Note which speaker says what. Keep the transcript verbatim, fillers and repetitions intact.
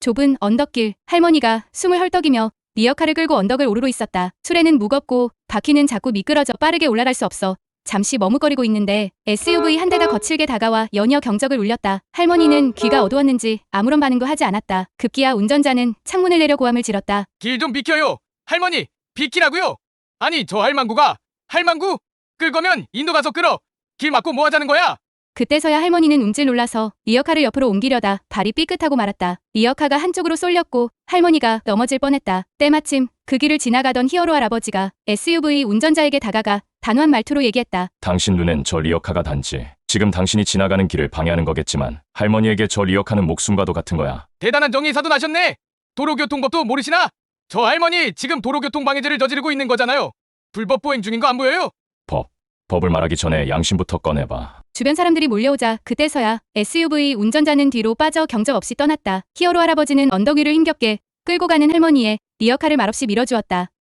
Speaker 1: 좁은 언덕길, 할머니가 숨을 헐떡이며 리어카를 끌고 언덕을 오르고 있었다. 수레는 무겁고 바퀴는 자꾸 미끄러져 빠르게 올라갈 수 없어 잠시 머뭇거리고 있는데 에스유브이 한 대가 거칠게 다가와 연이어 경적을 울렸다. 할머니는 귀가 어두웠는지 아무런 반응도 하지 않았다. 급기야 운전자는 창문을 내려 고함을 질렀다.
Speaker 2: 길 좀 비켜요. 할머니, 비키라고요. 아니, 저 할망구가 할망구? 끌 거면 인도 가서 끌어. 길 막고 뭐 하자는 거야?
Speaker 1: 그때서야 할머니는 움찔 놀라서 리어카를 옆으로 옮기려다 발이 삐끗하고 말았다. 리어카가 한쪽으로 쏠렸고 할머니가 넘어질 뻔했다. 때마침 그 길을 지나가던 히어로 할아버지가 에스유브이 운전자에게 다가가 단호한 말투로 얘기했다.
Speaker 3: 당신 눈엔 저 리어카가 단지 지금 당신이 지나가는 길을 방해하는 거겠지만 할머니에게 저 리어카는 목숨과도 같은 거야.
Speaker 2: 대단한 정의사도 나셨네. 도로교통법도 모르시나? 저 할머니 지금 도로교통 방해죄를 저지르고 있는 거잖아요. 불법 보행 중인 거 안 보여요?
Speaker 3: 법. 법을 말하기 전에 양심부터 꺼내봐.
Speaker 1: 주변 사람들이 몰려오자 그때서야 에스유브이 운전자는 뒤로 빠져 경적 없이 떠났다. 히어로 할아버지는 언덕 위를 힘겹게 끌고 가는 할머니의 리어카를 말없이 밀어주었다.